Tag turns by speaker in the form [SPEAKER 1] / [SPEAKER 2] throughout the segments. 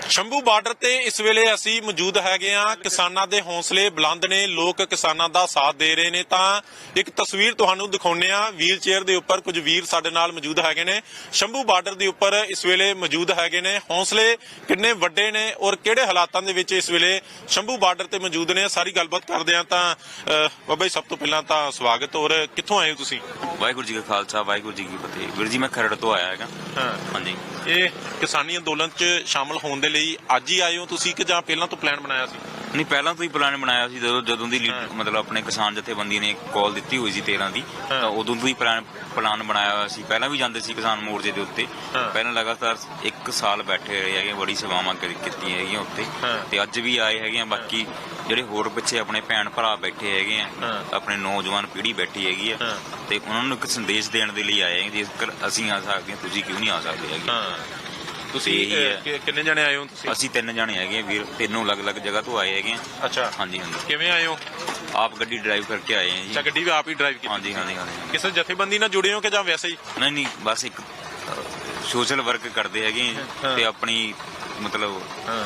[SPEAKER 1] Shambhu border ਤੇ ਇਸ ਵੇਲੇ ਅਸੀਂ ਮੌਜੂਦ ਹੈਗੇ ਆ। ਕਿਸਾਨਾਂ ਦੇ ਹੌਸਲੇ ਬੁਲੰਦ ਨੇ, ਲੋਕ ਕਿਸਾਨਾਂ ਦਾ ਸਾਥ ਦੇ ਰਹੇ ਨੇ। ਤਾਂ ਇੱਕ ਤਸਵੀਰ ਤੁਹਾਨੂੰ ਦਿਖਾਉਂਦੇ ਆ। ਵੀਲ ਚੇਅਰ ਦੇ ਉੱਪਰ ਕੁਝ ਵੀਰ ਸਾਡੇ ਨਾਲ ਮੌਜੂਦ ਹੈਗੇ ਨੇ, ਸ਼ੰਭੂ ਬਾਰਡਰ ਦੇ ਉੱਪਰ ਇਸ ਵੇਲੇ ਮੌਜੂਦ ਹੈਗੇ ਨੇ। ਹੌਸਲੇ ਕਿੰਨੇ ਵੱਡੇ ਨੇ ਔਰ ਕਿਹੜੇ ਹਾਲਾਤਾਂ ਦੇ ਵਿੱਚ ਇਸ ਵੇਲੇ ਸ਼ੰਭੂ ਬਾਰਡਰ ਤੇ ਮੌਜੂਦ ਨੇ, ਸਾਰੀ ਗੱਲਬਾਤ ਕਰਦੇ ਆ। ਤਾਂ ਬਾਬਾ ਜੀ, ਸਭ ਤੋਂ ਪਹਿਲਾਂ ਤਾਂ ਸਵਾਗਤ। ਔਰ ਕਿੱਥੋਂ ਆਏ ਹੋ ਤੁਸੀਂ?
[SPEAKER 2] ਵਾਹਿਗੁਰੂ ਜੀ ਕਾ ਖਾਲਸਾ, ਵਾਹਿਗੁਰੂ ਜੀ ਕੀ ਫਤਿਹ। ਵੀਰ ਜੀ, ਮੈਂ ਖਰੜ ਤੋਂ ਆਇਆ ਹੈਗਾ। ਹਾਂਜੀ।
[SPEAKER 1] ਇਹ ਕਿਸਾਨੀ ਅੰਦੋਲਨ 'ਚ ਸ਼ਾਮਲ ਹੋਣ ਦੇ ਲਈ ਅੱਜ ਹੀ ਆਏ ਹੋ ਤੁਸੀਂ ਕਿ ਜਾਂ ਪਹਿਲਾਂ ਤੋਂ ਪਲਾਨ ਬਣਾਇਆ ਸੀ?
[SPEAKER 2] ਨਹੀਂ, ਪਹਿਲਾਂ ਤੋਂ ਹੀ ਪਲਾਨ ਬਣਾਇਆ ਸੀ। ਜਦੋਂ ਦੀ ਮਤਲਬ ਆਪਣੇ ਕਿਸਾਨ ਜਥੇਬੰਦੀ ਨੇ ਕਾਲ ਦਿੱਤੀ ਹੋਈ ਸੀ 13 ਦੀ, ਤਾਂ ਉਦੋਂ ਤੋਂ ਹੀ ਪਲਾਨ ਬਣਾਇਆ ਹੋਇਆ ਸੀ। ਪਹਿਲਾਂ ਵੀ ਜਾਂਦੇ ਸੀ ਕਿਸਾਨ ਮੋਰਚੇ ਦੇ ਉੱਤੇ। ਪਹਿਲਾਂ ਲਗਾਤਾਰ 1 ਸਾਲ ਬੈਠੇ ਰਹੇ ਹੈਗੇ, ਬੜੀ ਸੇਵਾਵਾਂ ਕੀਤੀਆਂ ਹੈਗੀਆਂ ਉੱਤੇ, ਤੇ ਅੱਜ ਵੀ ਆਏ ਹੈਗੇ ਆ। ਬਾਕੀ ਜਿਹੜੇ ਹੋਰ ਪਿੱਛੇ ਆਪਣੇ ਭੈਣ ਭਰਾ ਬੈਠੇ ਹੈਗੇ ਆ, ਆਪਣੇ ਨੌਜਵਾਨ ਪੀੜ੍ਹੀ ਬੈਠੀ ਹੈਗੀ ਆ, ਤੇ ਉਹਨਾਂ ਨੂੰ ਇੱਕ ਸੰਦੇਸ਼ ਦੇਣ ਦੇ ਲਈ ਆਏ ਆ। ਜੇਕਰ ਅਸੀਂ ਆ ਸਕਦੇ ਹਾਂ, ਤੁਸੀਂ ਕਿਉਂ ਨਹੀਂ ਆ ਸਕਦੇ ਹੈਗੇ?
[SPEAKER 1] ਤੁਸੀਂ ਕਿੰਨੇ ਜਣੇ ਆਏ ਹੋ ਤੁਸੀਂ?
[SPEAKER 2] ਅਸੀਂ 3 ਜਣੇ ਹੈਗੇ ਵੀਰ, 3 ਅਲੱਗ-ਅਲੱਗ ਜਗ੍ਹਾ ਤੋਂ ਆਏ ਹੈਗੇ ਆ।
[SPEAKER 1] ਅੱਛਾ।
[SPEAKER 2] ਹਾਂਜੀ ਹਾਂਜੀ।
[SPEAKER 1] ਕਿਵੇਂ ਆਏ ਹੋ?
[SPEAKER 2] ਆਪ ਗੱਡੀ ਡਰਾਈਵ ਕਰਕੇ ਆਏ ਆ ਜੀ।
[SPEAKER 1] ਅੱਛਾ, ਗੱਡੀ ਵੀ ਆਪ ਹੀ ਡਰਾਈਵ ਕੀਤੀ?
[SPEAKER 2] ਹਾਂਜੀ ਹਾਂਜੀ ਹਾਂਜੀ।
[SPEAKER 1] ਕਿਸੇ ਜਥੇਬੰਦੀ ਨਾਲ ਜੁੜੇ ਹੋ ਕਿ ਜਾਂ ਵੈਸੇ ਹੀ?
[SPEAKER 2] ਨਹੀਂ, ਬਸ ਇੱਕ ਸੋਸ਼ਲ ਵਰਕ ਕਰਦੇ ਹੈਗੇ ਆ, ਤੇ ਆਪਣੀ ਮਤਲਬ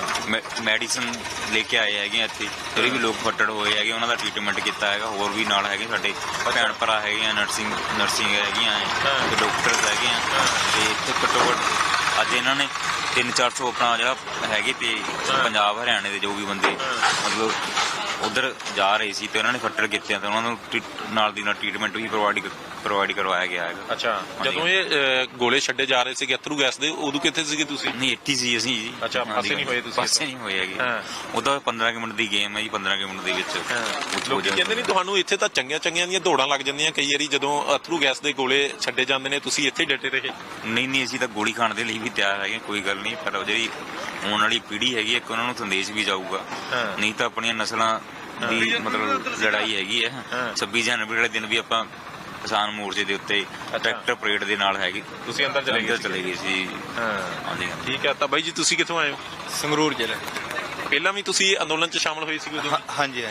[SPEAKER 2] ਮੈਡੀਸਨ ਲੈ ਕੇ ਆਏ ਹੈਗੇ ਆ ਇੱਥੇ। ਜਿਹੜੇ ਵੀ ਲੋਕ ਫੱਟੜ ਹੋਏ ਹੈਗੇ ਉਹਨਾਂ ਦਾ ਟ੍ਰੀਟਮੈਂਟ ਕੀਤਾ ਹੈਗਾ। ਹੋਰ ਵੀ ਨਾਲ ਹੈਗੇ ਸਾਡੇ ਭੈਣ ਭਰਾ ਹੈਗੇ ਆ, ਨਰਸਿੰਗ ਹੈਗੀਆਂ ਤੇ ਡਾਕਟਰਸ ਹੈਗੇ ਆ। ਤੇ ਇੱਥੇ ਘੱਟੋ ਘੱਟ ਅੱਜ ਇਹਨਾਂ ਨੇ 300-400 ਆਪਣਾ ਜਿਹੜਾ ਹੈਗੇ ਤੇ ਪੰਜਾਬ ਹਰਿਆਣੇ ਦੇ ਜੋ ਵੀ ਬੰਦੇ ਮਤਲਬ ਉਧਰ ਜਾ ਰਹੇ ਸੀ, ਤੇ ਉਹਨਾਂ ਨੇ ਫੱਟੜ ਕੀਤੇ, ਤੇ ਉਹਨਾਂ ਨੂੰ ਨਾਲ ਦੀ ਨਾਲ ਟ੍ਰੀਟਮੈਂਟ ਵੀ ਪ੍ਰੋਵਾਈਡ ਕਰਵਾਇਆ ਗਿਆ ਹੈਗਾ।
[SPEAKER 1] ਅੱਛਾ। ਜਦੋਂ ਇਹ ਗੋਲੇ ਛੱਡੇ ਜਾ ਰਹੇ ਸੀਗੇ ਅਥਰੂ ਗੈਸ ਦੇ, ਉਦੋਂ ਕਿੱਥੇ ਸੀਗੇ ਤੁਸੀਂ?
[SPEAKER 2] ਨਹੀਂ, ਇੱਥੇ ਸੀ ਅਸੀਂ ਜੀ।
[SPEAKER 1] ਅੱਛਾ, ਪਾਸੇ ਨਹੀਂ ਹੋਏ ਤੁਸੀਂ?
[SPEAKER 2] ਪਾਸੇ ਨਹੀਂ ਹੋਏ ਹੈਗੇ। ਉਹਦਾ 15 ਮਿੰਟ ਦੀ ਗੇਮ ਹੈ ਜੀ। 15 ਮਿੰਟ ਦੇ ਵਿੱਚ
[SPEAKER 1] ਲੋਕੀ ਕਹਿੰਦੇ ਨਹੀਂ ਤੁਹਾਨੂੰ ਇੱਥੇ ਤਾਂ ਚੰਗੀਆਂ ਦੀਆਂ ਦੌੜਾਂ ਲੱਗ ਜਾਂਦੀਆਂ ਕਈ ਵਾਰੀ ਜਦੋਂ ਅਥਰੂ ਗੈਸ ਦੇ ਗੋਲੇ ਛੱਡੇ ਜਾਂਦੇ ਨੇ, ਤੁਸੀਂ ਇੱਥੇ ਡਟੇ ਰਹੇ?
[SPEAKER 2] ਨਹੀਂ, ਅਸੀਂ ਤਾਂ ਗੋਲੀ ਖਾਣ ਦੇ ਲਈ ਵੀ ਤਿਆਰ ਹੈਗੇ, ਕੋਈ ਗੱਲ ਨਹੀਂ। ਪਰ ਜਿਹੜੀ ਆਉਣ ਵਾਲੀ ਪੀੜ੍ਹੀ ਹੈਗੀ, ਇੱਕ ਉਹਨਾਂ ਨੂੰ ਸੰਦੇਸ਼ ਵੀ ਜਾਊਗਾ। ਨਹੀਂ ਤਾਂ ਆਪਣੀਆਂ ਨਸਲਾਂ ਦੀ ਮਤਲਬ ਲੜਾਈ ਹੈਗੀ ਹੈ। 26 ਜਨਵਰੀ ਵਾਲੇ ਦਿਨ ਵੀ ਆਪਾਂ ਕਿਸਾਨ ਮੋਰਚੇ ਦੇ ਉੱਤੇ ਟਰੈਕਟਰ ਪਰੇਡ ਦੇ ਨਾਲ ਹੈਗੇ।
[SPEAKER 1] ਤੁਸੀਂ ਅੰਦਰ ਚਲੇ ਗਏ
[SPEAKER 2] ਸੀ? ਹਾਂਜੀ।
[SPEAKER 1] ਠੀਕ ਹੈ। ਤਾਂ ਬਾਈ ਜੀ, ਤੁਸੀਂ ਕਿੱਥੋਂ ਆਏ ਹੋ?
[SPEAKER 3] ਸੰਗਰੂਰ ਜ਼ਿਲ੍ਹਾ।
[SPEAKER 1] ਪਹਿਲਾਂ ਵੀ ਤੁਸੀਂ ਅੰਦੋਲਨ 'ਚ ਸ਼ਾਮਲ ਹੋਏ ਸੀ ਉਦੋਂ?
[SPEAKER 3] ਹਾਂਜੀ।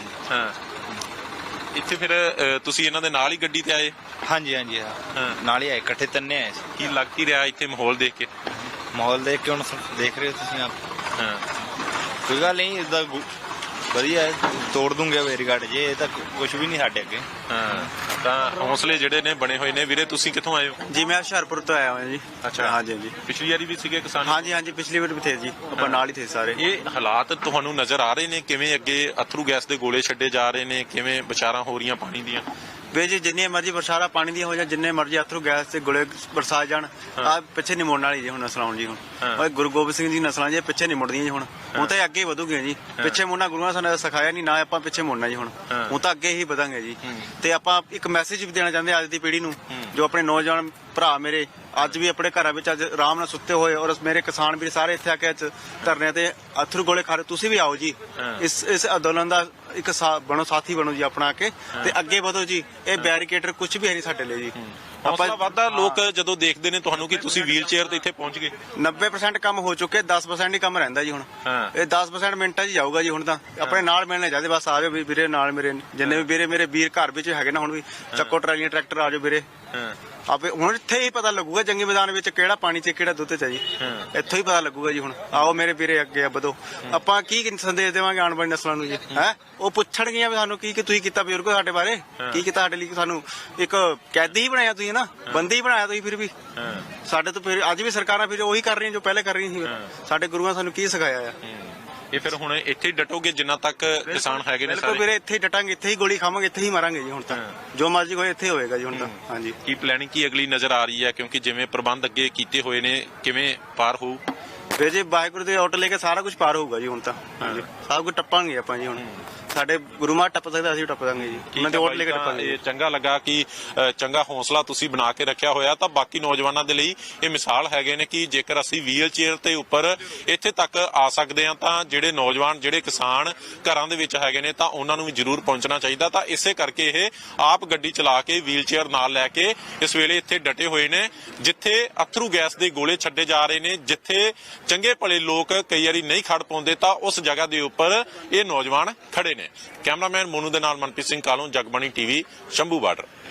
[SPEAKER 1] ਇੱਥੇ ਫਿਰ ਤੁਸੀਂ ਇਹਨਾਂ ਦੇ ਨਾਲ ਹੀ ਗੱਡੀ ਤੇ ਆਏ?
[SPEAKER 3] ਹਾਂਜੀ। ਨਾਲ ਹੀ ਆਏ, ਇਕੱਠੇ ਤੰਨੇ ਆਏ ਸੀ।
[SPEAKER 1] ਕੀ ਲੱਗ ਕੀ ਰਿਹਾ ਇੱਥੇ ਮਾਹੌਲ ਦੇਖ ਕੇ?
[SPEAKER 3] ਮਾਹੌਲ ਦੇਖ ਕੇ ਹੁਣ ਦੇਖ ਰਹੇ ਹੋ ਤੁਸੀਂ ਆਪ। ਕੋਈ ਗੱਲ ਨਹੀਂ, ਇਦਾਂ ਵਧੀਆ ਹੈ, ਤੋੜ ਦੂੰਗੇ ਬੈਰੀਕਾਡ ਜੇ। ਇਹ ਤਾਂ ਕੁਝ ਵੀ ਨਹੀਂ ਸਾਡੇ ਅੱਗੇ।
[SPEAKER 1] ਤਾਂ ਹੌਸਲੇ ਜਿਹੜੇ ਨੇ ਬਣੇ ਹੋਏ ਨੇ। ਵੀਰੇ, ਤੁਸੀਂ ਕਿੱਥੋਂ ਆਏ ਹੋ?
[SPEAKER 4] ਜੀ, ਮੈਂ ਹੁਸ਼ਿਆਰਪੁਰ ਤੋਂ ਆਇਆ ਹਾਂ ਜੀ।
[SPEAKER 1] ਅੱਛਾ।
[SPEAKER 4] ਹਾਂਜੀ।
[SPEAKER 1] ਪਿਛਲੀ ਵਾਰੀ ਵੀ ਸੀਗੇ ਕਿਸਾਨ?
[SPEAKER 4] ਹਾਂਜੀ, ਪਿਛਲੀ ਵਾਰ ਵੀ ਥੇ ਜੀ, ਆਪਾਂ ਨਾਲ ਹੀ ਥੇ ਸਾਰੇ।
[SPEAKER 1] ਇਹ ਹਾਲਾਤ ਤੁਹਾਨੂੰ ਨਜ਼ਰ ਆ ਰਹੇ ਨੇ ਕਿਵੇਂ ਅੱਗੇ ਅਥਰੂ ਗੈਸ ਦੇ ਗੋਲੇ ਛੱਡੇ ਜਾ ਰਹੇ ਨੇ, ਕਿਵੇਂ ਵਿਚਾਰਾਂ ਹੋ ਰਹੀਆਂ ਪਾਣੀ ਦੀਆਂ?
[SPEAKER 4] ਵੇ ਜੀ, ਜਿੰਨੀਆਂ ਮਰਜ਼ੀ ਬਰਸਾਰਾਂ ਪਾਣੀ ਦੀਆਂ ਹੋ ਜਾਣ, ਜਿੰਨੇ ਮਰਜ਼ੀ ਅਥਰੂ ਗੈਸ ਤੇ ਗੋਲੇ ਬਰਸਾ ਜਾਣ, ਆ ਪਿੱਛੇ ਨਹੀਂ ਮੁੜਨ ਵਾਲੀ ਜੀ ਹੁਣ ਨਸਲਾਂ ਜੀ। ਹੁਣ ਗੁਰੂ ਗੋਬਿੰਦ ਸਿੰਘ ਜੀ ਨਸਲਾਂ ਜੀ ਪਿੱਛੇ ਨਹੀਂ ਮੁੜਦੀਆਂ ਜੀ। ਹੁਣ ਤਾਂ ਅੱਗੇ ਵਧੂਗੀਆਂ ਜੀ। ਪਿੱਛੇ ਮੁੜਨਾ ਗੁਰੂਆਂ ਸਾਨੂੰ ਸਿਖਾਇਆ ਨਹੀਂ, ਨਾ ਆਪਾਂ ਪਿੱਛੇ ਮੁੜਨਾ ਜੀ। ਹੁਣ ਤਾਂ ਅੱਗੇ ਹੀ ਵਧਾਂਗੇ ਜੀ। ਤੇ ਆਪਾਂ ਇੱਕ ਮੈਸੇਜ ਵੀ ਦੇਣਾ ਚਾਹੁੰਦੇ ਅੱਜ ਦੀ ਪੀੜ੍ਹੀ ਨੂੰ, ਜੋ ਆਪਣੇ ਨੌਜਵਾਨ ਭਰਾ ਮੇਰੇ ਅੱਜ ਵੀ ਆਪਣੇ ਘਰਾਂ ਵਿੱਚ ਅੱਜ ਆਰਾਮ ਨਾਲ ਸੁੱਤੇ ਹੋਏ, ਔਰ ਮੇਰੇ ਕਿਸਾਨ ਵੀਰ ਸਾਰੇ ਇੱਥੇ ਆ ਕੇ ਧਰਨੇ ਤੇ ਅਥਰੂ ਗੋਲੇ ਖਾ ਰਹੇ, ਤੁਸੀਂ ਵੀ ਆਓ ਜੀ। ਇਸ ਅੰਦੋਲਨ ਦਾ ਇੱਕ ਬਣੋ, ਸਾਥੀ ਬਣੋ ਜੀ ਆਪਣਾ ਕੇ, ਤੇ ਅੱਗੇ ਵਧੋ ਜੀ। ਇਹ ਬੈਰੀਕੇਡਰ ਕੁਝ ਵੀ ਹੈ ਨਹੀਂ ਸਾਡੇ ਲਈ ਜੀ।
[SPEAKER 1] ਹੌਸਲਾ ਵੱਧਦਾ ਲੋਕ ਜਦੋਂ ਦੇਖਦੇ ਨੇ ਤੁਹਾਨੂੰ ਕਿ ਤੁਸੀਂ ਵੀਲ ਚੇਅਰ ਤੇ ਇੱਥੇ ਪਹੁੰਚ ਗਏ।
[SPEAKER 4] 90% ਕੰਮ ਹੋ ਚੁੱਕੇ, 10% ਹੀ ਕੰਮ ਰਹਿੰਦਾ ਜੀ ਹੁਣ। ਇਹ 10% ਮਿੰਟਾਂ 'ਚ ਜਾਊਗਾ ਜੀ। ਹੁਣ ਤਾਂ ਆਪਣੇ ਨਾਲ ਮਿਲਣੇ ਚਾਹੀਦੇ, ਬਸ ਆ ਜਾਓ ਵੀਰੇ ਨਾਲ ਮੇਰੇ, ਜਿੰਨੇ ਵੀ ਵੀਰੇ ਮੇਰੇ ਵੀਰ ਘਰ ਵਿੱਚ ਹੈਗੇ ਨਾ, ਹੁਣ ਵੀ ਚੱਕੋ ਟਰਾਲੀਆਂ ਟਰੈਕਟਰ ਆ ਜਾਓ ਵੀਰੇ। ਆਪੇ ਹੁਣ ਇੱਥੇ ਹੀ ਪਤਾ ਲੱਗੂਗਾ ਜੰਗੀ ਮੈਦਾਨ ਵਿੱਚ ਕਿਹੜਾ ਪਾਣੀ 'ਚ ਕਿਹੜਾ ਦੁੱਧ 'ਚ ਜੀ। ਇੱਥੋਂ ਹੀ ਪਤਾ ਲੱਗੂਗਾ ਜੀ। ਹੁਣ ਆਓ ਮੇਰੇ ਵੀਰੇ, ਅੱਗੇ ਵਧੋ। ਆਪਾਂ ਕੀ ਸੰਦੇਸ਼ ਦੇਵਾਂਗੇ ਆਉਣ ਵਾਲੀ ਨਸਲਾਂ ਨੂੰ ਜੀ? ਉਹ ਪੁੱਛਣਗੀਆਂ ਵੀ ਸਾਨੂੰ ਕੀ ਤੁਸੀਂ ਕੀਤਾ, ਬਜ਼ੁਰਗੋ ਸਾਡੇ ਬਾਰੇ ਕੀ ਕੀਤਾ ਸਾਡੇ ਲਈ? ਸਾਨੂੰ ਇੱਕ ਕੈਦੀ ਹੀ ਬਣਾਇਆ ਤੁਸੀਂ ਨਾ, ਬੰਦੀ ਹੀ ਬਣਾਇਆ ਤੁਸੀਂ। ਫਿਰ ਵੀ ਸਾਡੇ ਤੋਂ ਫਿਰ ਅੱਜ ਵੀ ਸਰਕਾਰਾਂ ਫਿਰ ਉਹੀ ਕਰ ਰਹੀਆਂ ਜੋ ਪਹਿਲੇ ਕਰ ਰਹੀਆਂ ਸੀ। ਸਾਡੇ ਗੁਰੂਆਂ ਸਾਨੂੰ ਕੀ ਸਿਖਾਇਆ ਆ?
[SPEAKER 1] ਇਹ ਫਿਰ ਹੁਣ ਇੱਥੇ ਹੀ ਡਟੋਗੇ ਜਿੰਨਾ ਤੱਕ ਕਿਸਾਨ ਹੈਗੇ ਨੇ
[SPEAKER 4] ਬਿਲਕੁਲ ਵੀਰੇ, ਇੱਥੇ ਹੀ ਡਟਾਂਗੇ, ਇੱਥੇ ਹੀ ਗੋਲੀ ਖਾਵਾਂਗੇ, ਇੱਥੇ ਹੀ ਮਾਰਾਂਗੇ ਜੀ। ਹੁਣ ਤਾਂ ਜੋ ਮਰਜ਼ੀ ਹੋਏ ਇੱਥੇ ਹੋਏਗਾ ਜੀ ਹੁਣ ਤਾਂ। ਹਾਂਜੀ।
[SPEAKER 1] ਕੀ ਪਲੈਨਿੰਗ ਕੀ ਅਗਲੀ ਨਜ਼ਰ ਆ ਰਹੀ ਹੈ? ਕਿਉਂਕਿ ਜਿਵੇਂ ਪ੍ਰਬੰਧ ਅੱਗੇ ਕੀਤੇ ਹੋਏ ਨੇ, ਕਿਵੇਂ ਪਾਰ ਹੋਊ?
[SPEAKER 4] ਵੀਰ ਜੀ, ਵਾਹਿਗੁਰੂ ਦੇ ਆਰਡਰ ਲੈ ਕੇ ਸਾਰਾ ਕੁਝ ਪਾਰ ਹੋਊਗਾ ਜੀ ਹੁਣ ਤਾਂ। ਹਾਂਜੀ, ਸਭ ਕੁਝ ਟੱਪਾਂਗੇ ਆਪਾਂ ਜੀ। ਹੁਣ ਸਾਡੇ ਗੁਰੂ ਮਹਾਰਾਜ ਟੱਪ ਸਕਦੇ, ਅਸੀਂ ਵੀ ਟੱਪ ਦਾਂਗੇ ਜੀ। ਉਹਨਾਂ ਦੇ ਆਰਡਰ ਲੈ ਕੇ ਟੱਪਾਂਗੇ।
[SPEAKER 1] ਇਹ ਚੰਗਾ ਲੱਗਾ ਕਿ ਚੰਗਾ ਹੌਸਲਾ ਤੁਸੀਂ ਬਣਾ ਕੇ ਰੱਖਿਆ ਹੋਇਆ। ਤਾਂ ਬਾਕੀ ਨੌਜਵਾਨਾਂ ਦੇ ਲਈ ਇਹ ਮਿਸਾਲ ਹੈਗੇ ਨੇ ਕਿ ਜੇਕਰ ਅਸੀਂ ਵੀਲ ਚੇਅਰ ਤੇ ਉੱਪਰ ਇੱਥੇ ਤੱਕ ਆ ਸਕਦੇ ਹਾਂ, ਤਾਂ ਜਿਹੜੇ ਨੌਜਵਾਨ ਜਿਹੜੇ ਕਿਸਾਨ ਘਰਾਂ ਦੇ ਵਿੱਚ ਹੈਗੇ ਨੇ, ਤਾਂ ਉਹਨਾਂ ਨੂੰ ਵੀ ਜ਼ਰੂਰ ਪਹੁੰਚਣਾ ਚਾਹੀਦਾ। ਤਾਂ ਇਸੇ ਕਰਕੇ ਇਹ ਆਪ ਗੱਡੀ ਚਲਾ ਕੇ ਵੀਲ ਚੇਅਰ ਨਾਲ ਲੈ ਕੇ ਇਸ ਵੇਲੇ ਇੱਥੇ ਡਟੇ ਹੋਏ ਨੇ, ਜਿੱਥੇ ਅਥਰੂ ਗੈਸ ਦੇ ਗੋਲੇ ਛੱਡੇ ਜਾ ਰਹੇ ਨੇ, ਜਿੱਥੇ ਚੰਗੇ ਭਲੇ ਲੋਕ ਕਈ ਵਾਰੀ ਨਹੀਂ ਖੜ ਪਾਉਂਦੇ, ਤਾਂ ਉਸ ਜਗ੍ਹਾ ਦੇ ਉੱਪਰ ਇਹ ਨੌਜਵਾਨ ਖੜੇ ਨੇ। ਕੈਮਰਾਮੈਨ ਮੋਨੂ ਦੇ ਨਾਲ ਮਨਪ੍ਰੀਤ ਸਿੰਘ ਕਾਲੋਂ, ਜਗਬਾਣੀ ਟੀਵੀ, ਸ਼ੰਭੂ ਬਾਰਡਰ।